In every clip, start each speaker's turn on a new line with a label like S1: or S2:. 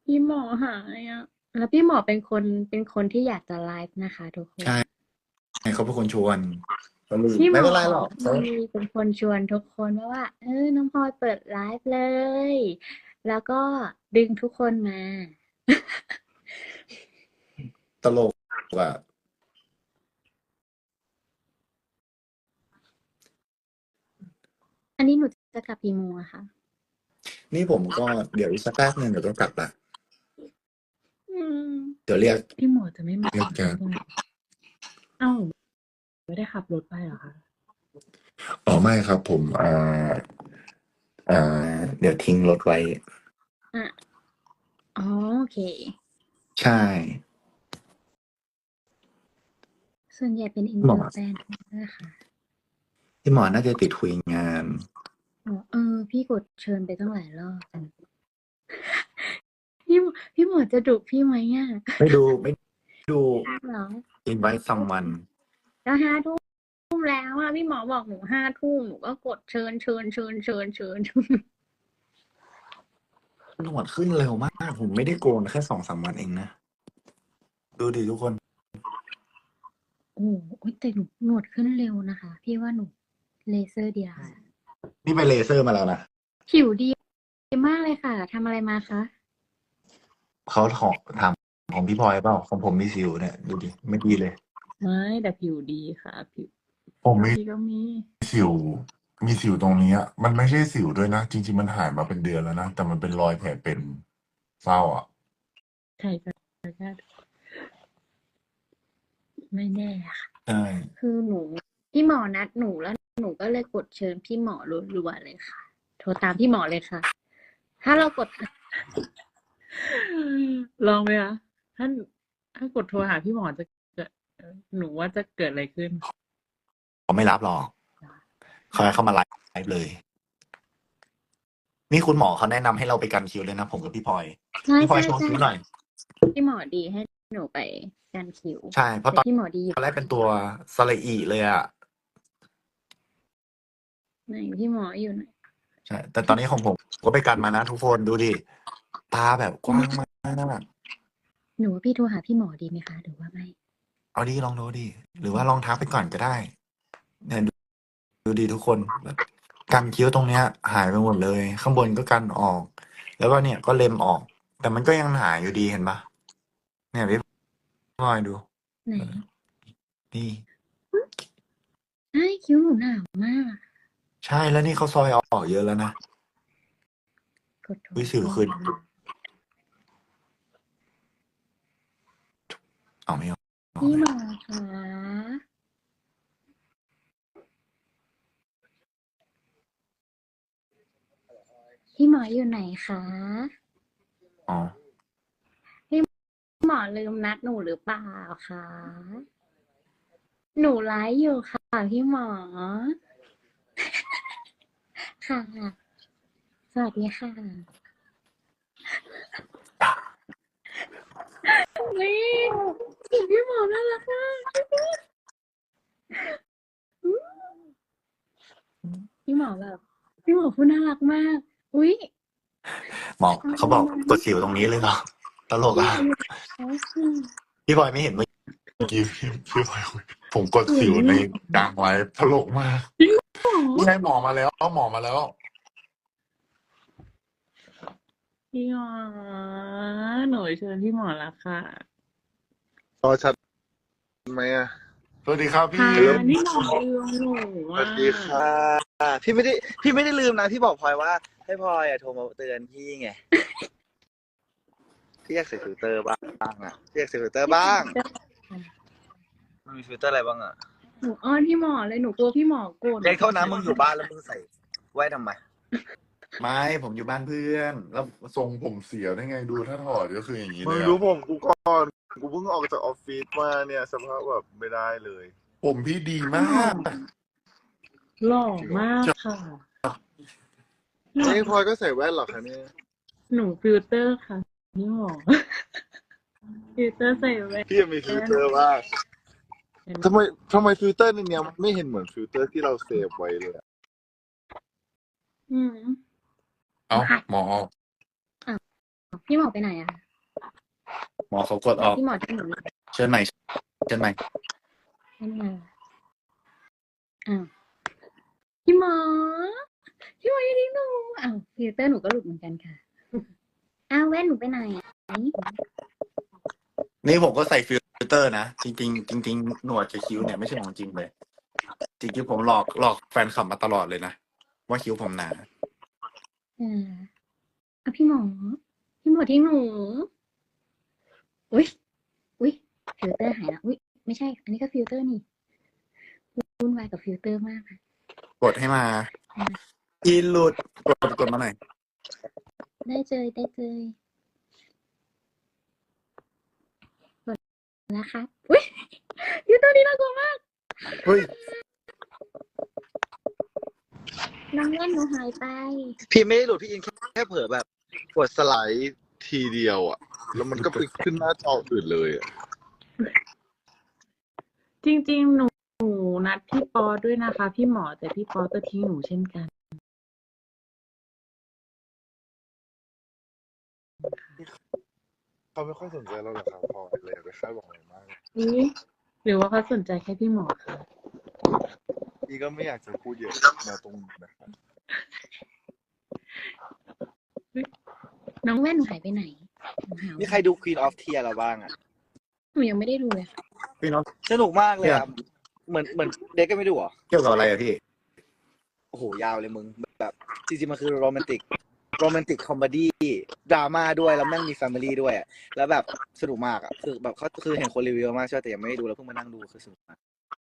S1: พี่หมอหายอ่ะแล้วพี่หมอเป็นคนที่อยากจะไลฟ์นะคะทุกคน
S2: ใช่เขาเป็นคนชวนก็ลืม
S1: พี่หมอ
S2: ไม่เป็นไรหรอก
S1: มีเป็นคนชวนทุกคนว่าน้องพลอยเปิดไลฟ์เลยแล้วก็ดึงทุกคนมา
S2: ตลกอ่ะ
S1: อันนี้หนูจะกลับกี่โมงอะคะ
S2: นี่ผมก็เดี๋ยวอีกสักแป๊บนึงเดี๋ยวต้องกลับละ
S1: อืม
S2: เดี๋ยวเรียก
S1: พี่หมอจะไม่มา
S2: เรียกแก
S1: เอ้าไม่ได้ขับรถไปเหรอคะ
S2: อ๋อไม่ครับผมอ่เดี๋ยวทิ้งรถไว้
S1: อ่ะอ๋อโอเค
S2: ใช่
S1: ส่วนใหญ่เป็นอิน
S2: หมอ
S1: เตอร์แฟนนะคะ
S2: พี่หมอน่าจะติดคุยงาน
S1: อ๋อพี่กดเชิญไปตั้งหลายรอบพี่หมอจะดุพี่ไหมอ่ะ
S2: ไม่ดู
S1: เหรอ
S2: invite someone
S1: แล้ว5 ทุ่มแล้วอ่ะพี่หมอบอกหนู5 ทุ่มหนูก็กดเชิญ
S2: หนวดขึ้นเร็วมากผมไม่ได้โกนแค่2-3 วันเองนะดูดิทุกคน
S1: โอ้โหแต่หนูหนวดขึ้นเร็วนะคะพี่ว่าหนูเลเซอร์ดีค่ะ
S2: นี่ไปเลเซอร์มาแล้วนะ
S1: ผิวดีมากเลยค่ะทำอะไรมาคะ
S2: เขาถามของพี่พลอยเปล่าของผมมีสิวเนี่ยดูดิไม่ดีเลย
S1: ไม่แต่ผิวดีค่ะผิว
S3: ผมมี
S1: พี่ก็มี
S3: สิวมีสิวตรงนี้อะมันไม่ใช่สิวด้วยนะจริงๆมันหายมาเป็นเดือนแล้วนะแต่มันเป็นรอยแผลเป็นเศร้าอ่ะ
S1: ใครก็ไม่แน่ค่ะ
S2: ใช่
S1: คือหนูพี่หมอนัดหนูแล้วหนูก็เลยกดเชิญพี่หมอรัวๆเลยค่ะโทรตามพี่หมอเลยค่ะถ้าเรากด ลองไหมคะถ้ากดโทรหาพี่หมอจะเกิดหนูว่าจะเกิดอะไรขึ้น
S2: เขาไม่รับหรอกเขาให้เข้ามาไลฟ์เลย นี่คุณหมอเขาแนะนำให้เราไปกันคิวเลยนะผมกับพี่พลอย
S1: ใช่
S2: พี่พลอย
S1: ใช่
S2: โชว์
S1: ใช่
S2: คิวหน่อย
S1: พี่หมอดีให้หนูไปกันคิว
S2: ใช่เพราะ
S1: แต่
S2: ตอน
S1: พี่หมอดีอยู่
S2: แรกเป็นตัวสระอีเลยอ่ะ
S1: ไหนพี่หมออยู่ไหน
S2: ใช่แต่ตอนนี้ของผมก็ไปกันมานะทุกคนดูดิตาแบบกว้างมาก
S1: หนูว่าพี่โทรหาพี่หมอดีไหมคะหรือว่าไม่
S2: เอาดิลองดูดิหรือว่าลองทักไปก่อนก็ได้เนี่ยดูดิทุกคนแบบกันคิ้วตรงเนี้ย หายไปหมดเลย ข้างบนก็กันออก แล้วก็เนี่ยก็เล็มออก แต่มันก็ยังหายอยู่ดีเห็นปะเนี่ยพี่พลอยดู
S1: ไหน
S2: นี่
S1: ไอ้คิ้วหนูหนาวมาก
S2: ใช่แล้วนี่เขาซอยออกเยอะแล้วนะ
S1: กดโทร
S2: วิสิวขึ้นเอาไม่ออก
S1: พี่หมอคะพี่หมออยู่ไหนคะ
S2: อ๋อ
S1: หมอลืมนัดหนูหรือเปล่าคะหนูไลฟ์อยู่ค่ะพี่หมอค่ะสวัสดีค่ะนี่พี่หมอน่ารักมากพี่หมอแบบพี่หมอพูดน่ารักมากอุ๊ย
S2: หมอเขาบอกกดสิวตรงนี้เลยเหรอตลกอ่ะพี่พลอยไม่เห็นเมื่อ
S3: เมื่อกี้พี่พลอยคุยผมกดสิวในกลางไลฟ์ตลกมากนี่ให้หมอมาแล้วหมอมาแล้ว
S1: พี่หมอหนูเชิญพี่หมอแล้วค่ะ
S4: พอชัดไหมอ่ะ
S3: สวัสดีครับพี่
S1: ค่ะนี่หมอลืมหนู
S4: สวัสดีค่ะพี่ไม่ได้ลืมนะพี่บอกพลอยว่า ให้พลอยโทรมาเตือนพี่ไงพี่อยากใส่ฟิลเตอร์บ้างอ่ะพี่อยากใส่ฟิลเตอร์บ้างมันมีฟิลเตอร์อะไรบ้างอ่ะ
S1: หนูอ้อนพี่หมอเลยหนูกลัวพี่หมอโกรธ
S4: เด็กเท่านั้นมึงอยู่บ้านแล้วมึงใส่ไว้ทำไม
S2: ไม่ผมอยู่บ้านเพื่อน
S3: แล้วทรงผมเสียได้ไงดูถ้าถอดก็คืออย่างนี้
S4: มึ
S3: เล
S4: ง
S3: ย
S4: ดู
S3: อะ
S4: ผมกูก่อนกูเพิ่งออกจากออฟฟิศมาเนี่ยสภาพแบบไม่ได้เลย
S3: ผมพี่ดีมาก
S1: หล่อมากค่ะ
S4: นี่พลอยก็ใส่แว่นเหรอคะเนี่ย
S1: หนูฟิลเตอร์ค่ะพี่หมอฟิลเตอร์ใส่แว่น
S4: พี่ยังมีฟิลเตอร์บ้างทำไมฟิลเตอร์ในเนี้ยมันไม่เห็นเหมือนฟิลเตอร์ที่เราเซฟไว้เลยอะ
S1: อืม
S3: เอ้าหมอ
S1: พี่หมอไปไหนอะ
S2: หมอเขากดออก
S1: พี่หมอที่หนู
S2: เชิญใหม่เชิญใหม่
S1: ไม่มาอ้าวพี่หมอพี่หมออย่าทิ้งหนูอ้าวฟิลเตอร์หนูก็หลุดเหมือนกันค่ะอ้าวแว่นหนูไปไหน
S2: นี่ผมก็ใส่ฟิลเตอร์นะ จริงๆจริงๆหนวดกับคิ้วเนี่ยไม่ใช่ของจริงเลย จริงๆผมหลอกแฟนคลับมาตลอดเลยนะว่าคิ้วผมหนา
S1: อ่ะพี่หมอทิ้งหนูอุ้ยฟิลเตอร์หายแล้วอุ้ยไม่ใช่ อันนี้ก็ฟิลเตอร์นี่วุ่นวายกับฟิลเตอร์มากค่ะ
S2: กดให้มาอีหลุดกดมาหน่อย
S1: ได้เจยกดนะคะอุ้ยฟิลเตอร์นี่น่ากลัวมาก
S2: เฮ้ย
S1: น้องเล่นหนูหายไป
S4: พี่ไม่ได้หลุดพี่อินแค่เผลอแบบกดสไลด์ทีเดียวอ่ะ แล้วมันก็ไปขึ้นหน้าจออื่นเลยอ่ะ
S5: จริงๆ หนูนัดพี่ปอด้วยนะคะ พี่หมอแต่พี่ปอก็ทิ้งหนูเช่นกัน
S4: เขาไม่ค่อยสนใจเราหรอกครับพอเลยไปคาดหวังอะไรมาก
S5: หรือว่าเขาสนใจแค่พี่หมอคะ
S4: พี่ก็ไม่อยากจะพูดเยอะมาตรงนี้นะครับ
S1: น้องแว่นหนูหายไปไหนหนูหา
S6: มีใครดู Queen of Tears เราบ้างอ่ะ
S1: หนูยังไม่ได้ดูเลยค่ะ
S2: พี่น้อง
S6: สนุกมากเลยอ่ะ เหมือนเด็กก็ไม่ดูเหรอ
S2: เกี่ยวกับอะไรอะพี่
S6: โอ้โห ยาวเลยมึง แบบจริงๆ มันคือโรแมนติกคอมเมดี้ดราม่าด้วย แล้วแม่งมีแฟมิลี่ด้วยอะแล้วแบบสนุกมากอ่ะ คือแบบเขาคือเห็นคนรีวิวมากใช่ไหมแต่ยังไม่ได้ดูแล้วเพิ่งมานั่งดูคือสนุกมาก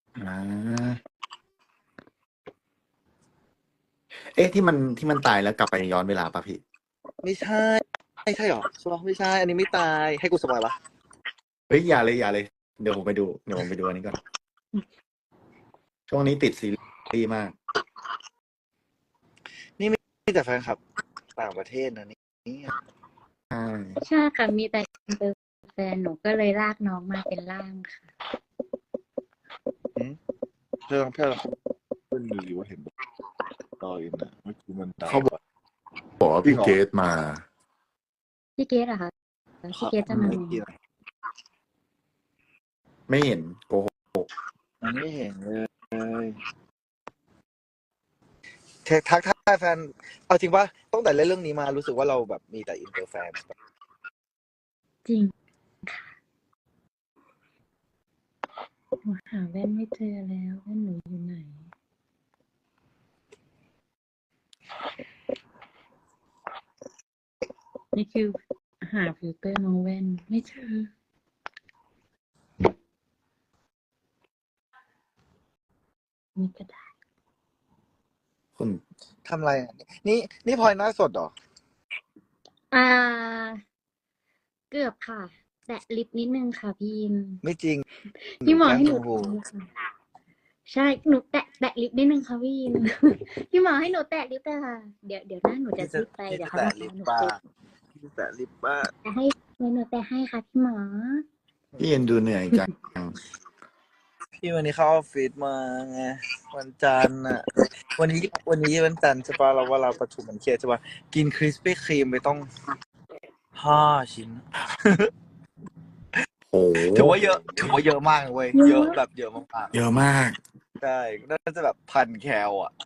S2: ที่มันตายแล้วกลับไปย้อนเวลาป่ะพี่
S6: ไม่ใช่หรอใช่ปะไม่ใช่ อันนี้ไม่ตาย ให้กูสปอยปะ
S2: เฮ้ยอย่าเลยเดี๋ยวผมไปดูอันนี้ก่อน ช่วงนี้ติดซีรีส์มาก
S6: นี่แต่แฟนคลับต่างประเทศนะนี่
S2: ใช่
S1: ใช่ค่ะ มีแต่อินเตอร์แฟนหนูก็เลยลากน้องมาเป็นล่ามค่ะ
S4: เพื่อนเขาเป็นหรือว่าเห็นตออินนะเมื่อกี้มันดาว
S3: เขาบอกว่าพี่เกตมา
S1: พี่เกดเหรอคะพี่เกดจะมา
S6: ไม่
S1: ไหม
S6: เกี่ยว
S2: ไม่เห็นโกหก
S6: มันไม่เห็นเลยทักทายแฟน เอาจริงป่ะตั้งแต่เล่นเรื่องนี้มารู้สึกว่าเราแบบมีแต่อินเตอร์แฟน
S1: จริงค่ะหนูหาแว่นไม่เจอแล้วแว่นหนูอยู่ไหน
S5: นี่คือหาฟิลเตอร์น้องแว่นไม่เจอ
S1: มีกระดาษ
S2: คุณ
S6: ทำอะไรอ่ะนี่พลอยหน้าสดเหรอ
S1: เกือบค่ะ แตะลิปนิดนึงค่ะพี่อิน
S6: ไม่จริง
S1: พี่หมอให้หนู
S6: แกล้ง
S1: แตะค่ะใช่หนูแตะลิปนิดนึงค่ะพี่อิน พี่หมอให้หนูแตะลิปแต่ค่ะเดี๋ยวหน้าหนูจะซีดไปเดี๋ยวเขา
S6: แตะ
S1: จะ
S6: ลิป
S1: หนู
S6: บ้า
S1: ซีด
S6: แตะลิปบ้า
S1: แต่ให้หนูแตะให้ค่ะพี่หมอ
S2: พี่เอ็นดูเหนื่อยจัง
S6: พี่วันนี้เข้าออฟฟิศมาไงวันจันทร์อ่ะ วันนี้วันจันทร์ใช่ปะเราว่าเราประชุมมันเครียดใช่ปะกินคริสปี้ครีมไปต้อง5 ชิ้น
S2: โอ้
S6: ถือว่าเยอะมากเลยเว้ยเยอะแบบเยอะมาก
S2: เยอะมาก
S6: ๆใช่น่าจะแบบ1,000 แคลอ่ะ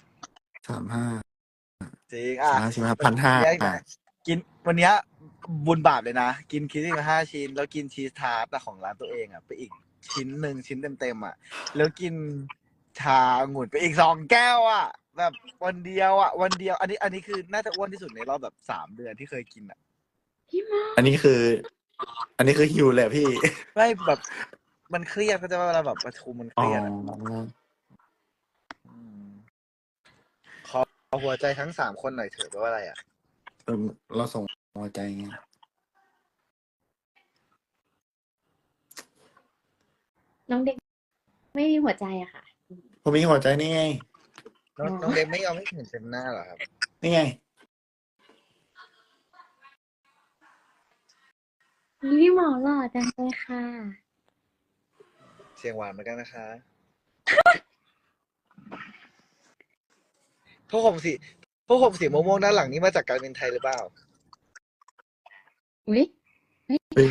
S2: 35
S6: จริงอ่ะ
S2: 1,500
S6: กินวันเนี้ยบุญบาปเลยนะ กินคริสปี้มา5 ชิ้น แล้วกินชีสทาร์ตของร้านตัวเองอ่ะไปอีกชิ้นเต็มๆอ่ะ แล้วกินชาองุ่นไปอีก2 แก้วอ่ะ แบบวันเดียว อันนี้คือน่าจะอ้วนที่สุดในรอบแบบ3 เดือนที่เคยกินอ่ะ
S1: พี่หมอ
S2: อันนี้คือฮิวเลยอะพี่
S6: ไม่แบบมันเครียดเขาจะว่าเวลาแบบประชุมมันเค
S2: อ๋อ
S6: รียดอะขอหัวใจทั้ง3 คนหน่อยเถอะแปลว่าอะไรอ่ะ
S2: เราส่งหัวใจไง
S1: น้องเด็กไม่มีหัวใจอะค่ะ
S2: ผมมีหัวใจนี่ไง
S6: น้องเด็กไม่ยอมให้เห็นเต็มหน้าเหรอครับ
S2: นี่ไง
S1: พี่หมอหล่อจังเลยค่ะ
S6: เสียงหวานเหมือนกันนะคะพวกผมสีม่วงๆด้านหลังนี่มาจากการบินไทยหรือเปล่า
S1: อุ๊ยไม่
S2: เฮ้ย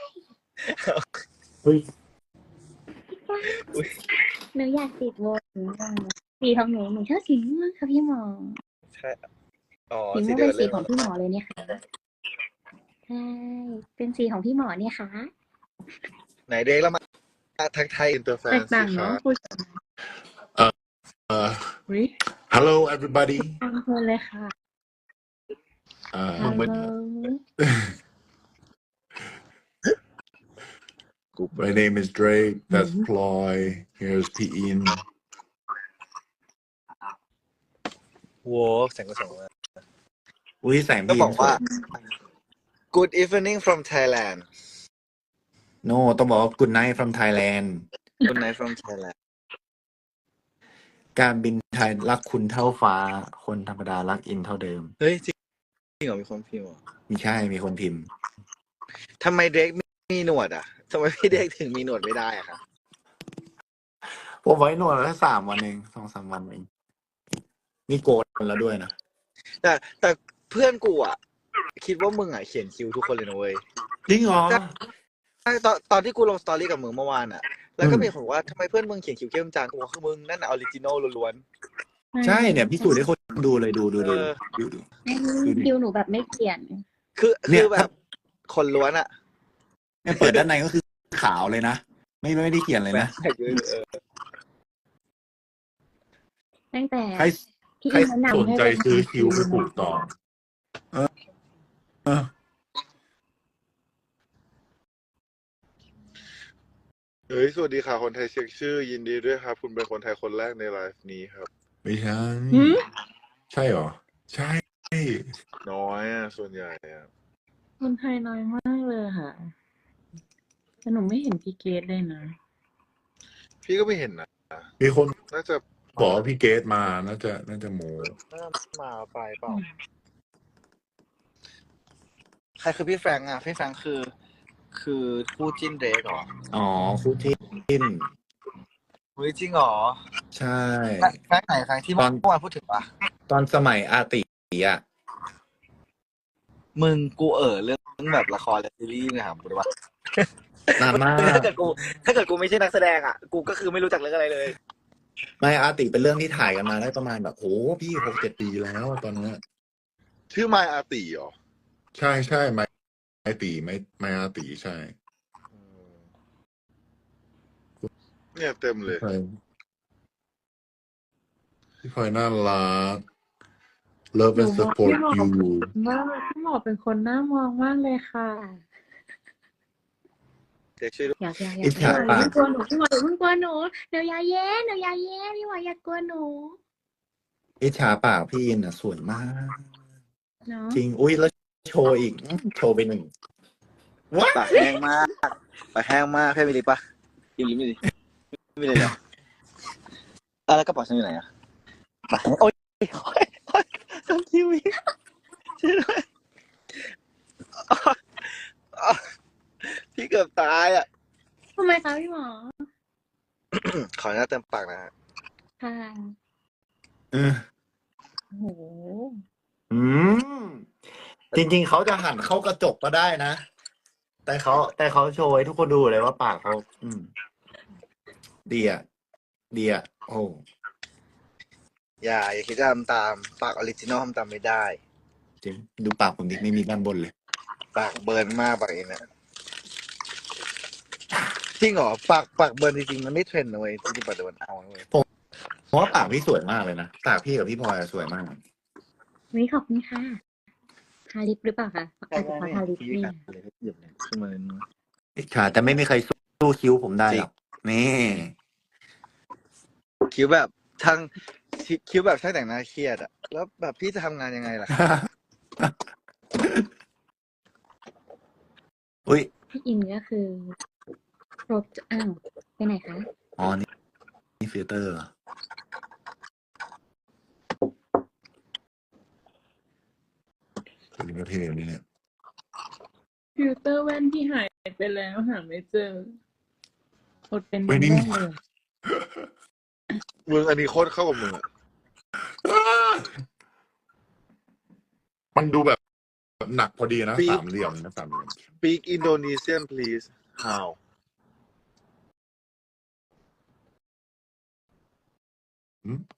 S2: เฮ้ย
S6: อุ๊ย
S1: หนูอยากติดโบว์สีของหนูชอบสีม่วงค่ะพี่หมอ
S6: ใช่ อ๋อ
S1: สี
S6: สี
S1: ม่วง
S6: เดีย
S1: เป็
S6: วน กับ
S1: สี
S6: เรื่อง
S1: ของพี่หมอเลยเนี่ยค่ะใช่เป็นสีของพี่หมอเนี่ยค่ะ
S6: ไหนเด็กแล้วมาทักทาย
S4: อินเตอร์แฟ
S5: แต
S4: น
S5: ก
S4: สิ
S5: ต่าง
S4: คะ
S5: เนาะคุยกัน วิ
S3: hello everybody
S5: ฟังเพลินเลยค่ะ
S1: ฮัลโหล
S3: my name is Drake that's Ploy here's P-In
S6: โว้แสงก็ส่งมา
S2: อุ้ยแสง
S6: ต้อง
S2: พี่
S6: บอก
S2: สว
S6: ว่า
S2: ย
S6: Good evening from Thailand
S2: โนต้องบอกว่า Good night from Thailand
S6: Good night from Thailand
S2: การบินไทยรักคุณเท่าฟ้า คนธรรมดารักอินเท่าเดิม
S6: เฮ้ยจริงเหรอมีคนพิมพ์เหรอ
S2: มีใช่มีคนพิมพ์
S6: ทำไมเด็กมีหนวดอ่ะทำไมพี่เด็กถึงมีหนวดไม่ได้อะครับ
S2: ผมไว้หนวดแค่3 วันเอง2-3 วันเองนี่โกนแล้วด้วยนะ
S6: แต่เพื่อนกูอ่ะ คิดว่ามึงอ่ะเขียนคิวทุกคนเลยนะเว้ย
S2: จริงเหรอ
S6: ใช่ตอนที่กูลงสตอรี่กับมึงเมื่อวานอ่ะ แล้วก็มีคนบอกว่าทำไมเพื่อนมึงเขียนคิวเข้มจังกูบอกคือมึงนั่นออริจินอลล้วน
S2: ใช่เนี่ยพี่สูจน์ให้คนดูเลยดู
S6: เออ
S1: คิวหนูแบบไม่เขียน
S6: ๆคือแบบคนล้วนอ่ะ
S2: เนี่ยเปิดด้านในก็คือขาวเลยนะ ไม่ได้เขียนเลยนะ
S1: ตั้งแต่
S2: ใคร
S1: พี่
S3: ใคร
S1: อินแนะนำ
S3: สนใจซื้อคิวไปปลูกต่อ
S4: เฮ้ย สวัสดีค่ะ คนไทยเช็คชื่อ ยินดีด้วยครับ คุณเป็นคนไทยคนแรกในไลฟ์นี้ครับ
S3: ไม่ใช่
S5: หืม
S3: ใช่เหรอ ใช่
S4: น้อยอ่ะ ส่วนใหญ่อ่ะ
S5: คนไทยน้อยมากเลยค่ะแต่หนูไม่เห็นพี่เกดเลยนะ
S4: พี่ก็ไม่เห็นนะ
S3: มีคน
S4: น่าจะ
S3: บอกว่าพี่เกตมาน่าจะโม
S6: มาไปเปล่า ใครคือพี่แฟรงค์อ่ะ พี่แฟรงค์คือคู่จิ้นเด็กเหรอ
S2: อ๋อคู่จิ้น
S6: เฮ้ยจริงเหรอ
S2: ใช่
S6: แฟรงค์ไหนแฟรงค์ที่เมื่อวานพูดถึงปะ
S2: ตอนสมัยอาติอ่ะ
S6: มึงกูเรื่องแบบละครและซีรีส์เนี่ยถามกูได้ปะ
S2: นานมาก
S6: ถ้าเกิดกูไม่ใช่นักแสดงอ่ะ กูก็คือไม่รู้จักเรื่องอะไรเลย
S2: ไม่อาติเป็นเรื่องที่ถ่ายกันมาได้ประมาณแบบโหพี่6-7 ปีแล้วตอนเนี้ย
S4: ชื่อไมอาติเหรอ
S3: ใช่ไม่ตีไม่อาตีใช่
S4: เนี่ยเต็มเลย
S3: พี่พลอยน่ารัก love
S5: หนู
S3: and
S5: บอก
S3: support
S5: พี่หมอ
S3: you
S5: ว่าพี่หมอเป็นคนน่ามองมากเลยค่ะ
S6: เด็กช่วยด้วย
S1: อยาก
S2: อิจฉาปะ
S1: ไม่กลัวหนูพี่หมออย่าเพิ่งกลัวหนูเดี๋ยวยาแย่พี่หมออย่ากลัวหนู
S2: อิจฉาปากพี่อินอ่ะสวยมาก
S1: เนาะ
S2: จริงอุ้ยแล้วโชว์อีกโชว์ไป1ว้า
S6: ปากแห้งมากแค่มีลิปปะกินลิปไม่ดีไม่เลยเหรอแล้วกระเป๋าฉันอยู่ไหนอ่ะปากโอ๊ยทำทีวีช่วยด้วยพี่เกือบตายอ่ะ
S1: ทำไมคะพี่หมอ
S6: ขออนุญาตเติมปากนะฮะ
S1: ค่ะ
S2: เออ
S1: โอ้โห
S2: จริง ๆเขาจะหันเข้ากระจกก็ได้นะ แต่เขาโชว์ให้ทุกคนดูเลยว่าปากเขาดีอ่ะโอ้
S6: อย่าคิดจะทำตามปากออริจินอลทำตามไม่ได้
S2: จริงดูปากผมดิไม่มีด้านบนเลย
S6: ปากเบิร์นมากปากเองเนี่ยจริงเหรอปากเบิร์นจริงๆมันไม่เทรนด์นะเว้ยจริงๆปากเบิร์นเอานะเว้ย
S2: เพราะว่าปากพี่สวยมากเลยนะปากพี่กับพี่พลอยอะสวยมาก
S1: วิขอบคุณค่ะทาลิปหรือเปล่าคะอาจจะเพราะทาลิป
S6: พี่
S1: นี่
S6: กันเลยหยิบเลยขึ้นมาเลยนะ
S2: อิจฉาแต่ไม่มีใครสู้คิ้วผมได้หรอกนี่
S6: คิ้วแบบช่างแต่งหน้าเครียดอะแล้วแบบพี่จะทำงานยังไงล่ะ
S2: อุ้ย
S1: พี่อินก็คือครบอ้าวไปไหนคะ
S2: อ๋อนี่ฟิลเตอร์เหรอ
S3: เป็นประเทศนี่เนี่ย
S5: ฟิลเตอร์แว่นที่หายไปแล้วหาไม่เจออดเป็น
S3: ไม่นิ่ง
S5: แน่เลย
S4: มึงอันนี้โคตรเข้ากับมึงอ่ะ
S3: มันดูแบบหนักพอดีนะ
S4: Speak
S3: สามเหลี่ยมนะสามเหลี่ยม
S4: Speak Indonesian please how
S3: อืม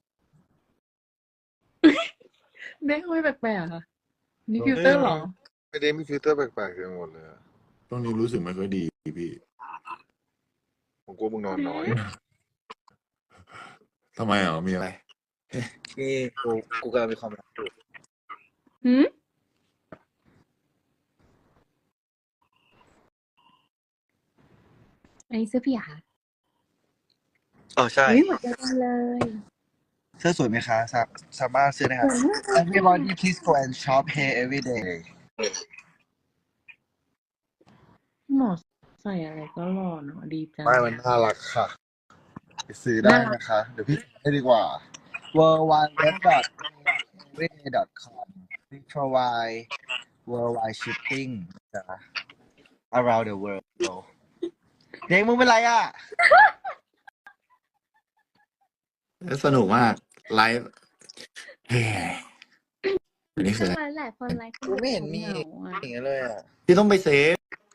S5: เด้งไม่แปลกๆค่ะ นี่ฟิลเตอร์เหรอ
S4: ไม่ได้มีฟิลเตอร์แปลกๆกันหมดเลยอะ
S3: ช่วงนี้รู้สึกไม่ค่อยดีพี่
S4: ผมกลัวมึงนอนน้อย
S3: ทำไมอ่ะมีอะไร
S6: นี่กูกำลังมีความรักอยู่
S5: หืม
S1: อันนี้เสื้อพี่เหรอคะ
S6: ใช่
S1: เฮ้ยเหมือนกันเลย
S6: เสื้อสวยไหมคะสามารถซื้อได้ครับ Everybody please go and shop here every day
S5: หมอใส่อะไรก็หล่อเนาะดีจัง
S4: ไม่มันน่ารักค่ะไปซื้อได้นะคะ เดี๋ยวพี่ให้ดีกว่า
S6: worldwideweb.everyday.com we provide worldwide shipping จ้ะ around the world เด็กมึงเป็นไรอ่ะ
S2: สนุกมากไลฟ์เฮ้ยอันนี้คืออะไร
S1: หลายคนไลฟ์
S6: กูไม่เห็นมี
S1: เหงาๆอะ
S6: อย่างนั้นเลยอ่ะ
S2: พี่ต้องไปเซฟ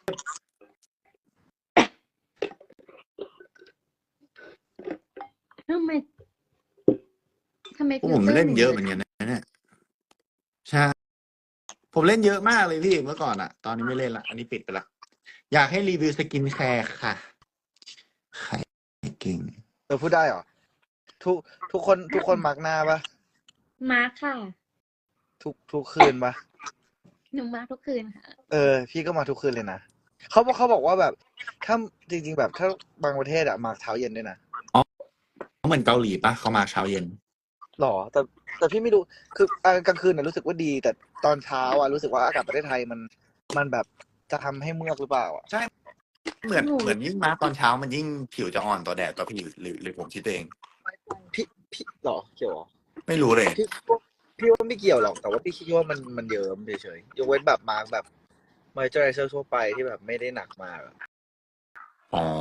S1: ทำไม
S2: พวกผมเล่นเยอะเหมือนกันนะเนี่ยใช่ผมเล่นเยอะมากเลยพี่เมื่อก่อนอะตอนนี้ไม่เล่นละอันนี้ปิดไปละอยากให้รีวิวสกินแคร์ค่ะใครเก่ง
S6: พูดได้เหรอ ทุกคนมักหน้าปะ
S1: มาร์คค่ะ
S6: ทุกคืนปะ
S1: หนูมาร์คทุกคืนค่ะ
S6: พี่ก็มาทุกคืนเลยนะเขาบอกว่าแบบถ้าจริงๆแบบถ้าบางประเทศอะมาเช้าเย็นด้วยนะ
S2: เหมือนเกาหลีปะเขามาเช้าเย็น
S6: หรอแต่พี่ไม่รู้คือกลางคืนน่ะรู้สึกว่าดี แต่ตอนเช้าอะรู้สึกว่าอากาศประเทศไทยมันแบบจะทำให้เมือกหรือเปล่าอะ
S2: เหมือนยิ่งมาตอนเช้ามันยิ่งผิวจะอ่อนต่อแดดต่อพี่หรือผมคิดเอง
S6: พี่หรอเกี่ยวหรอ
S2: ไม่รู้เลย
S6: พี่ว่าไม่เกี่ยวหรอกแต่ว่าพี่คิดว่ามันเยิ้มเฉยๆยกเว้นแบบมาร์กแบบมอยเจอไรเซอร์ทั่วไปที่แบบไม่ได้หนักมากอะ
S3: อ๋อ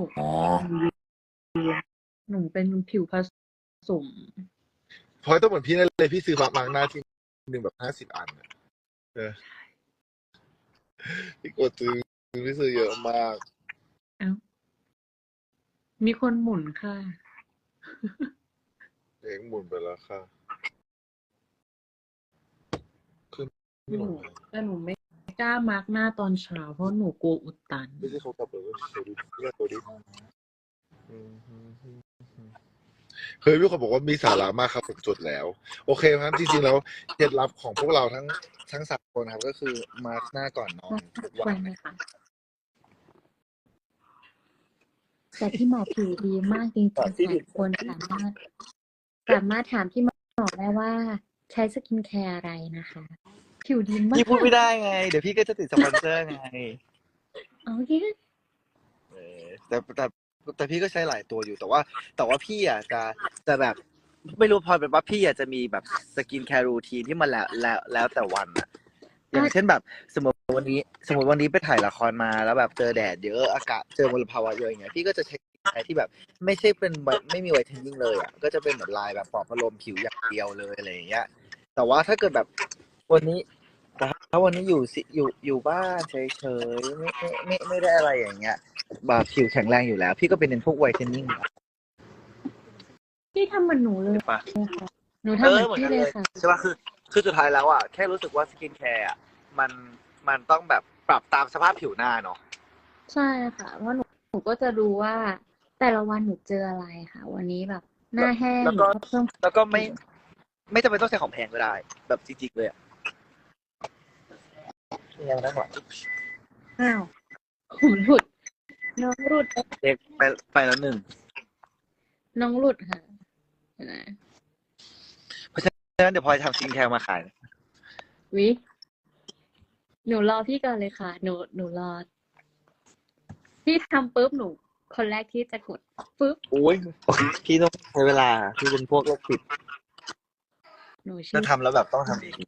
S5: หนูเป็นผิวผสม
S4: พอยต้องเหมือนพี่นั่นเลยพี่ซื้อมาร์กหน้าที่หนึ่งแบบ50 อันอะพี่กดซื้อพี่ซื้อเยอะมาก
S5: มีคนหมุนค่ะ
S4: เองหมุนไปแล้วค่ะขึ้น
S5: แต่หนูไม่กล้ามาร์กหน้าตอนเช้าเพราะหนูกลัวอุดตัน
S4: ไม่ใช่เขากลับเลยเดี๋ยวดูเรียกตัวดิเคยมีคนบอกว่ามีสาระมากครับผมจดแล้ว โอเคครับจริงๆแล้วเคล็ดลับของพวกเราทั้ง3 คนครับ ก็คือมาร์กหน้าก่อนนอนทุก
S1: วั
S4: วัน น
S1: เลยค่ะ แต่พี่หมอผิวดีมากจริงๆหลายคนสามารถถามพี่หมอได้ว่าใช้สกินแคร์อะไรนะคะ ผิวดีมาก
S6: พี่พูดไม่ได้ไง เดี๋ยวพี่ก็จะติดสปอนเซอร์ไง
S1: โอเค
S6: แต่พี่ก็ใช้หลายตัวอยู่แต่ว่าพี่อ่ะจะแบบไม่รู้พอเป็นว่าพี่อ่ะจะมีแบบสกินแคร์รูทีนที่มันแล้วแต่วันอ่ะอย่างเช่นแบบสมมติวันนี้ไปถ่ายละครมาแล้วแบบเจอแดดเยอะอากาศเจอมลภาวะเยอะอย่างเงี้ยพี่ก็จะใช้ที่แบบไม่ใช่เป็นไม่มีไวท์เทนนิ่งเลยอ่ะก็จะเป็นแบบลายแบบปลอบประโลมผิวอย่างเดียวเลยอะไรอย่างเงี้ยแต่ว่าถ้าเกิดแบบวันนี้แต่ถ้าวันนี้อยู่บ้านเฉยๆไม่ได้อะไรอย่างเงี้ยแบบผิวแข็งแรงอยู่แล้ว พี่ก็เป็นเน้นพวกไวท์เทนนิ่ง
S1: พี่ทำเหมือนหนูเลย
S6: ปะ
S1: ค่ะหนูทำเหมือนพี่เลยค่ะ
S6: ใช่ป่ะคือสุดท้ายแล้วอ่ะแค่รู้สึกว่าสกินแคร์อ่ะมันต้องแบบปรับตามสภาพผิวหน้าเนาะ
S1: ใช่ค่ะ เพราะหนูก็จะรู้ว่า แต่ละวันหนูเจออะไรค่ะ วันนี้แบบหน้าแห้ง
S6: แล้วก็
S1: หนูเพิ่ม
S6: แล้วก็ไม่จำเป็นต้องใช้ของแพงก็ได้ แบบจริงๆเลยอ่ะยังได้หรอ
S1: อ้าวผมหลุด น้องหลุด
S6: เด็กไปแล้วหนึ่ง
S1: น้องหลุดค่ะเห็นไหม
S6: ฉะนั้นเดี๋ยวพลอยทำสกินแคร์มาขายนะ
S1: วิหนูรอพี่ก่อนเลยค่ะ หนูรอ พี่ทำปุ๊บหนู คนแรกที่จะกดปุ๊บ
S6: โอ้ยพี่ต้องใช้เวลาพี่เป็นพวกโรคจิต
S1: หนูชื่
S6: จะ
S1: อ
S6: ทำแล้วแบบต้องทำเอง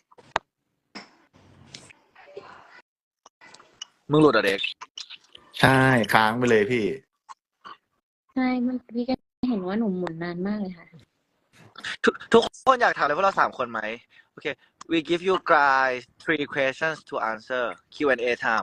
S6: มึงหลุดอ่ะเด็ก
S2: ใช่ค้างไปเลยพี่
S1: ใช่มันพี่ก็เห็นว่าหนูหมุนนานมากเลยค่ะ
S6: ทุกคนอยากถามเลยว่าเรา3 คนไหม Okay, we give you guys 3 questions to answer. Q&A time.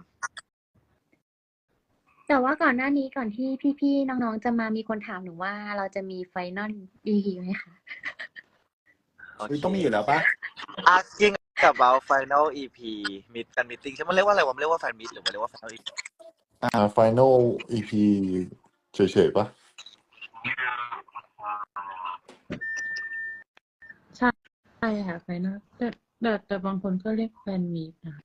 S1: แต่ว่าก่อนหน้านี้ก่อนที่พี่ๆน้องๆจะมามีคนถามหนูว่าเราจะมีไฟนอล EP ไหมคะ
S2: ต้องมีอยู่แล้วปะ
S6: Asking about final EP meet fan meeting ใช่ไหมมันเรียกว่าอะไรวะมันเรียกว่า fan meet หรือมันเรียกว่า final EP
S3: Final EP เฉยๆปะ
S5: ใช่ค่ะไฟนอลแต่บางคนก็เรียกแฟนมีตนะคะ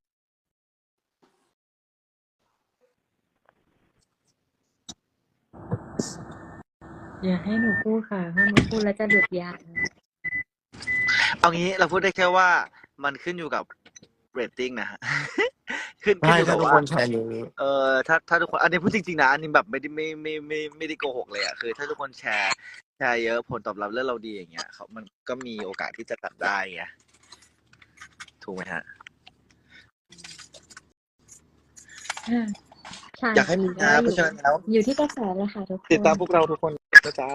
S5: อย่าให้หนูพูดค่ะเพราะหนูพูดแล้วจะหลุดยาว
S6: เอางี้เราพูดได้แค่ว่ามันขึ้นอยู่กับ rating นะฮะ ขึ้น
S2: ใช่
S6: อยู่
S2: ถ้า
S6: กับ
S2: ทุก
S6: ว่า
S2: คนแชร์เยอะ
S6: ถ้าทุกคนอันนี้พูดจริงๆนะอันนี้แบบไม่ได้โกหกเลยอ่ะคือถ้าทุกคนแชร์เยอะผลตอบรับเรื่องเราดีอย่างเงี้ยมันก็มีโอกาสที่จะตัดได้ไงถูกไหมฮะ
S1: ใช่
S6: อยากให้มีนะเพราะฉะนั้นแล้ว
S1: อยู่ที่กระแสเลยค่ะทุกคน
S6: ติดตามพวกเราทุกคนนะจ๊ะ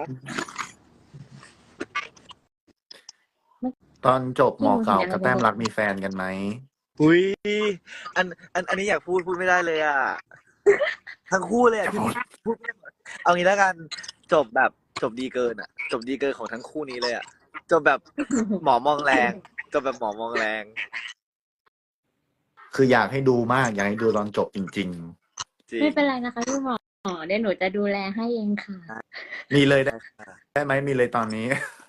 S2: ตอนจบหมอเก่ากับแต้มรักมีแฟนกันไหม
S6: อุ้ยอันนี้อยากพูดไม่ได้เลยอ่ะ ทั้งคู่เลยอ่ะที่พูดไม่หมดเอางี้แล้วกันจบดีเกินอ่ะ จบดีเกินของทั้งคู่นี้เลยอ่ะจบแบบหมอมองแรงจบแบบหมอมองแรง
S2: คืออยากให้ดูมาก อยากให้ดูตอนจบจริง
S6: จริง
S1: ไม่เป็นไรนะคะพี่หมอเดี๋ยวหนูจะดูแลให้เองค่ะ
S2: ๆ มีเลยได้ไหมมีเลยตอนนี้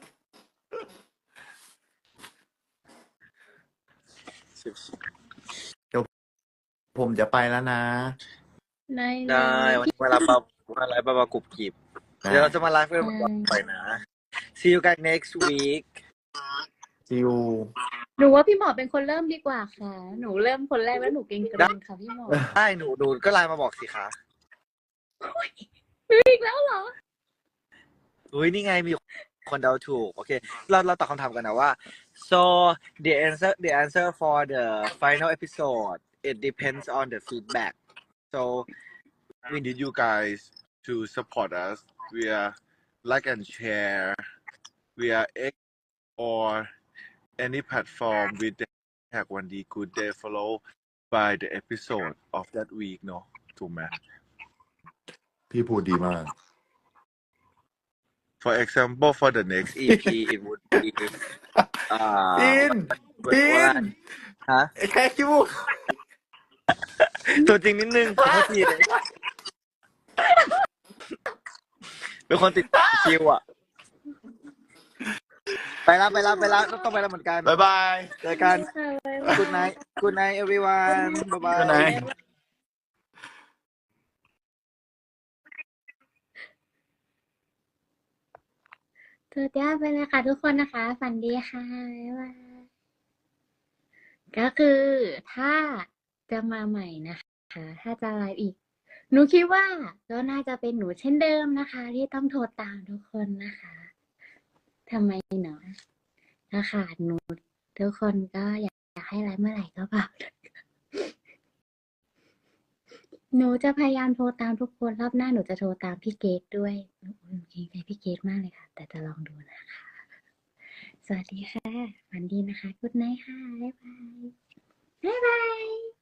S2: ผมจะไปแล้วนะ
S6: ได้วันนี้มาไลฟ์บากุบกิบเดี๋ยวเราจะมาไลฟ์กันบ่อยๆนะ see you guys next week
S2: ซิว
S1: หนูว่าพี่หมอเป็นคนเริ่มดีกว่าค่ะ หนูเริ่มคนแรกแล้วหนูเกรงค่ะพี่หมอ
S6: ได้หนูก็ไลน์มาบอกสิคะ
S1: อีกแล้วเหรอ
S6: อุ้ยนี่ไงมีคนเดาถูกโอเคเราตอบคำถามกันนะว่า so the answer for the final episode it depends on the feedback so
S3: we need you guys to support us via like and share via X or any platform with the hashtag one day good day follow by the episode of that week เนอะถูกไหมพี่พูดดีมาก For example for the next
S6: EP it would be
S2: ปีน
S6: ฮะ
S2: แค่คิว
S6: ตัวจริงนิดนึงขอโทษทีเลยเป็นคนติดคิวอ่ะไปแล้วต้องไปแล้วเหมือนกัน
S2: บ๊ายบาย
S6: เจอกัน good night everyone bye bye
S2: Good night
S1: เธอจ้าไปเลยค่ะทุกคนนะคะ ฝันดีค่ะบ๊ายบายก็คือถ้าจะมาใหม่นะคะ ถ้าจะไลฟ์อีก หนูคิดว่าก็น่าจะเป็นหนูเช่นเดิมนะคะ ที่ต้องโทรตามทุกคนนะคะทำไมเนาะถ้าขาดหนูทุกคนก็อยากให้ไลฟ์เมื่อไหร่ก็บอก หนูจะพยายามโทรตามทุกคนรอบหน้าหนูจะโทรตามพี่เกดด้วยหนูเกรงใจพี่เกดมากเลยค่ะ แต่จะลองดูนะคะ สวัสดีค่ะฝันดีนะคะกุ๊ดไนท์ค่ะบ๊ายบายบ๊ายบาย